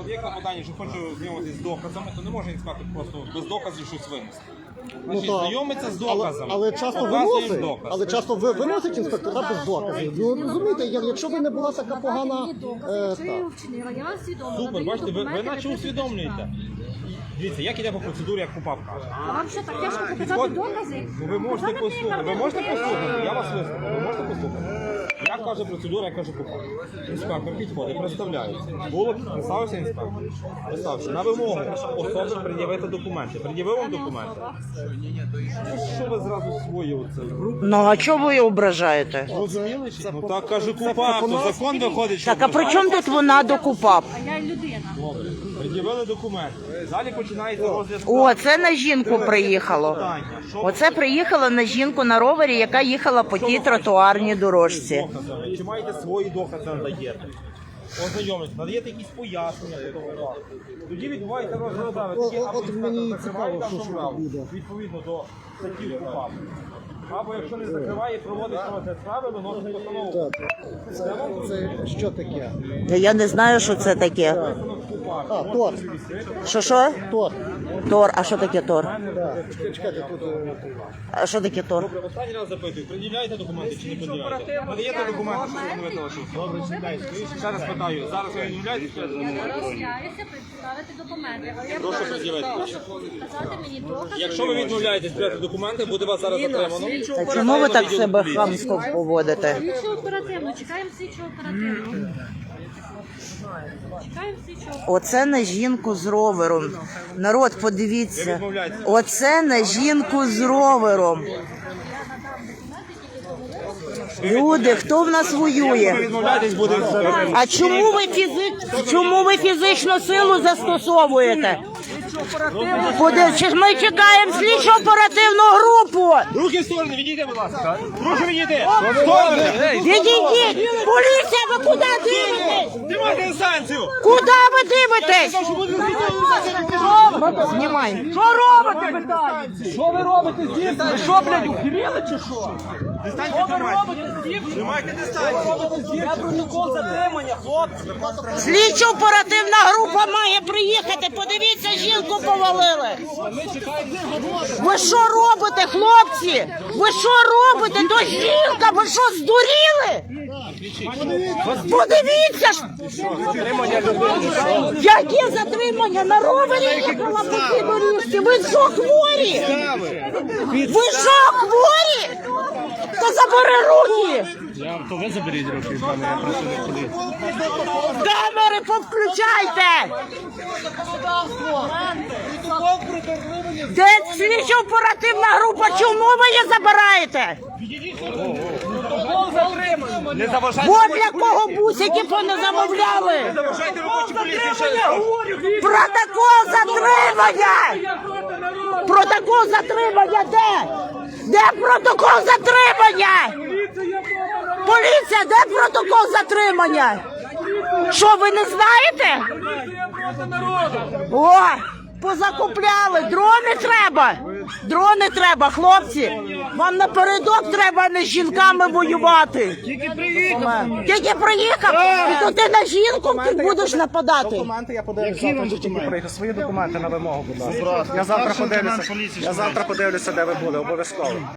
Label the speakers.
Speaker 1: от є клопотання, що хочу знайомитися з доказами, то не може інспектор просто без доказів щось винести. Значить, знайомиться з доказами,
Speaker 2: але часто виносить, але часто виносить інспектора без доказів. Ну, розумієте, якщо ви не була така погана...
Speaker 1: Супер, бачите, ви наче усвідомлюєте. Дивіться, як іде по процедурі, як КУПАП каже.
Speaker 3: А вам що, так тяжко показати докази?
Speaker 1: Ви можете послухати, я вас вислухаю, ви можете послухати. Як каже процедура, як каже КУПАП. Інспектор підходить, представляється. Було, представився інспектор. Представився. На вимогу особи пред'явити документи. Пред'явив вам документи? Що ви зразу свої оце?
Speaker 4: Ну, а чого ви її ображаєте?
Speaker 1: Ну так каже КУПАП, то закон виходить, що...
Speaker 4: Так, а при чому тут вона до КУПАП?
Speaker 3: А я людина.
Speaker 1: Добре. Пред'явили документи. Далі починається розгляд.
Speaker 4: О, це на жінку приїхало. Оце приїхало на жінку на ровері, яка їхала по тій тротуарній дорожці.
Speaker 1: Доказами. Чи маєте свої докази надаєте? Ознайомитися, надаєте якісь пояснення. Тоді відбувається розгляд справи.
Speaker 2: От мені цікаво, що буде.
Speaker 1: Відповідно до статті КУПАП. Або якщо не закриває, проводить розгляд справи, виносить постанову.
Speaker 2: Це що таке?
Speaker 4: Я не знаю, що це таке.
Speaker 2: А, ТОР.
Speaker 4: Що?
Speaker 2: ТОР.
Speaker 4: Тор. А що таке Тор?
Speaker 2: Чекайте, тут...
Speaker 4: А що таке Тор?
Speaker 1: Добре, останній раз запитую, пред'являєте документи чи не пред'являєте? Надаєте документи, що встановити лише? Добре, читайте. Ще раз питаю, зараз ви відмовляєтесь?
Speaker 3: Я відмовляюся представити документи. Але я
Speaker 1: Прошу пред'явити.
Speaker 3: прошу показати мені докази.
Speaker 1: Якщо ви відмовляєтесь прийняти документи, буде вас зараз затримано.
Speaker 4: А чому ви так себе хамсько поводите?
Speaker 3: Слідчо оперативно, чекаємо слідчо оперативно. Чекаємо слідчо оперативно.
Speaker 4: Оце на жінку з ровером. Народ, подивіться. Оце на жінку з ровером. Люди, хто в нас воює?
Speaker 1: Відмовляєтесь, буде...
Speaker 4: А чому ви фізичну силу застосовуєте? Чи ж ми чекаємо слідчо оперативну групу?
Speaker 1: Руки в сторони, відійдіть, будь ласка. Прошу відійти.
Speaker 4: Відійдіть! Поліція, ви куди дивитесь?
Speaker 1: Знімайте дистанцію.
Speaker 4: Куди ви дивитесь? Знімай. Що робите, питаю?
Speaker 5: Що ви робите з дітьми? Ви що, блядь, ухиріли чи що?
Speaker 1: Дистанцію тримайте. Тримайте дистанцію.
Speaker 5: Я протокол затримання, хлопці.
Speaker 4: Слідчо-оперативна група має приїхати. Подивіться, жінку повалили. Ви що робите, хлопці? Ви що робите? То жінка, ви що, здуріли? Подивіться ж! Яке затримання? На ровері їхала по цій доріжці? Ви що, хворі? Ви що, хворі? То забери руки!
Speaker 5: То ви заберіть руки, пане, я працюю в поліції.
Speaker 4: Камери повключайте! Де слідчо оперативна група? Чому ви її забираєте?
Speaker 1: Не заважайте.
Speaker 4: Бо для кого бусики не замовляли?
Speaker 1: Заважайте робочі поліції.
Speaker 4: Протокол затримання! Протокол затримання де? Де протокол затримання? Поліція, де протокол затримання? Що, ви не знаєте? О, позакупляли, дрони треба. Дрони треба, хлопці. Вам напередок треба не з жінками воювати. Тільки приїхав. І то ти на жінку ти будеш нападати.
Speaker 2: Документи я подивлюся, завтра тільки приїхав. Свої документи на вимогу, будь ласка. Я завтра подивлюся, де ви були, обов'язково.